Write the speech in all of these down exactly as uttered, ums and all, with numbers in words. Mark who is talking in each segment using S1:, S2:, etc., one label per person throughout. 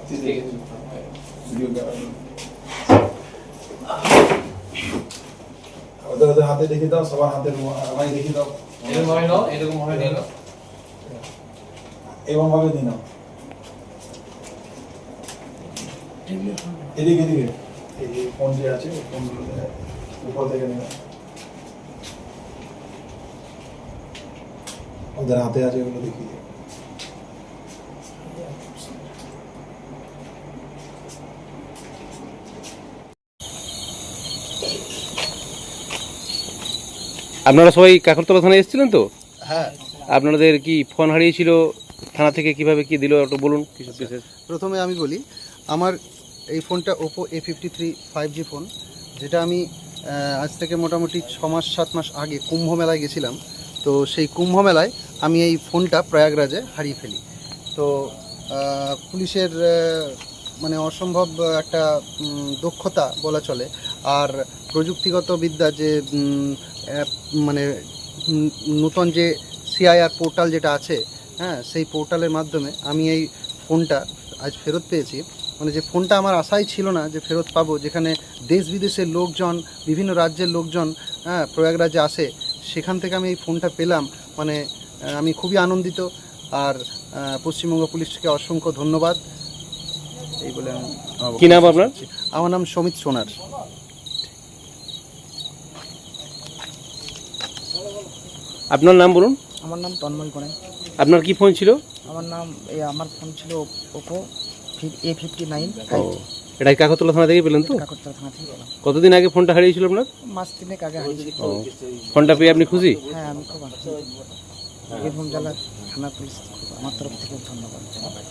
S1: ওদের ওদের হাতে দেখে দাও, সবার হাতে আমায় দেখে দাও।
S2: এরকম ভাবে নাও, এরকম ভাবে নিয়ে নাও,
S1: এরকম ভাবে নিয়ে নাও। এদিকে এদিকে এই ফোন যে আছে ফোনগুলো উপর থেকে নিয়ে নাও। ওদের হাতে আছে ওগুলো দেখিয়ে।
S3: আপনারা সবাই কাকরতলা থানায় এসেছিলেন তো?
S4: হ্যাঁ।
S3: আপনাদের কি ফোন হারিয়েছিল, থানা থেকে কিভাবে কি দিল একটু বলুন কিছু বিশেষ।
S4: প্রথমে আমি বলি, আমার এই ফোনটা Oppo A fifty three five G phone, যেটা আমি আজ থেকে মোটামুটি ছ মাস সাত মাস আগে কুম্ভ মেলায় গেছিলাম। তো সেই কুম্ভ মেলায় আমি এই ফোনটা প্রয়াগরাজে হারিয়ে ফেলি। তো পুলিশের মানে অসম্ভব একটা দক্ষতা বলা চলে, আর প্রযুক্তিগত বিদ্যা যে মানে নূতন যে সিআইআর পোর্টাল যেটা আছে, হ্যাঁ, সেই পোর্টালের মাধ্যমে আমি এই ফোনটা আজ ফেরত পেয়েছি। মানে যে ফোনটা আমার আশাই ছিল না যে ফেরত পাবো, যেখানে দেশ বিদেশের লোকজন, বিভিন্ন রাজ্যের লোকজন হ্যাঁ প্রয়াগরাজে আসে, সেখান থেকে আমি এই ফোনটা পেলাম। মানে আমি খুবই আনন্দিত, আর পশ্চিমবঙ্গ পুলিশকে অসংখ্য ধন্যবাদ। এই বলে আমি।
S3: কি নাম আপনার?
S4: আমার নাম সমিত সোনার।
S3: আপনার নাম বলুন।
S5: আমার নাম তন্ময় কোণে।
S3: আপনার কি ফোন ছিল?
S5: আমার নাম এই আমার ফোন ছিল ওপো এ ফিফটি নাইন।
S3: এটা কাকরতলা থানা থেকে পেলেন তো?
S5: কাকরতলা থানা থেকে পেলাম।
S3: কতদিন আগে ফোনটা হারিয়েছিল আপনার?
S5: মাস তিনেক আগে হারিয়েছিল।
S3: ফোনটা পেয়ে আপনি খুশি?
S5: হ্যাঁ, আমি খুব আনন্দিত। বীরভূম জেলা থানা পুলিশ আমার তরফ থেকে ধন্যবাদ।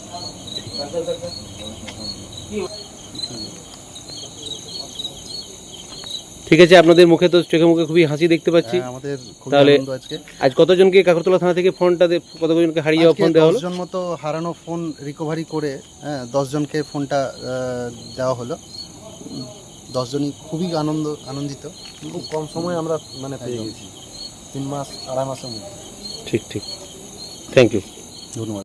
S3: ঠিক আছে, আপনাদের মুখে তো চোখে মুখে খুবই হাসি দেখতে পাচ্ছি।
S4: আমাদের
S3: তাহলে আজ কতজনকে কাকরতলা থানা থেকে ফোনটা কতজনকে হারিয়ে যাওয়া ফোন দেওয়া হলো?
S4: দশ জন মতো হারানো ফোন রিকভারি করে হ্যাঁ দশ জনকে ফোনটা দেওয়া হলো। দশ জনই খুবই আনন্দ আনন্দিত।
S6: খুব কম সময়ে আমরা মানে পেয়ে গেছি, তিন মাস আড়াই মাসের মধ্যে।
S3: ঠিক ঠিক, থ্যাংক ইউ,
S4: ধন্যবাদ।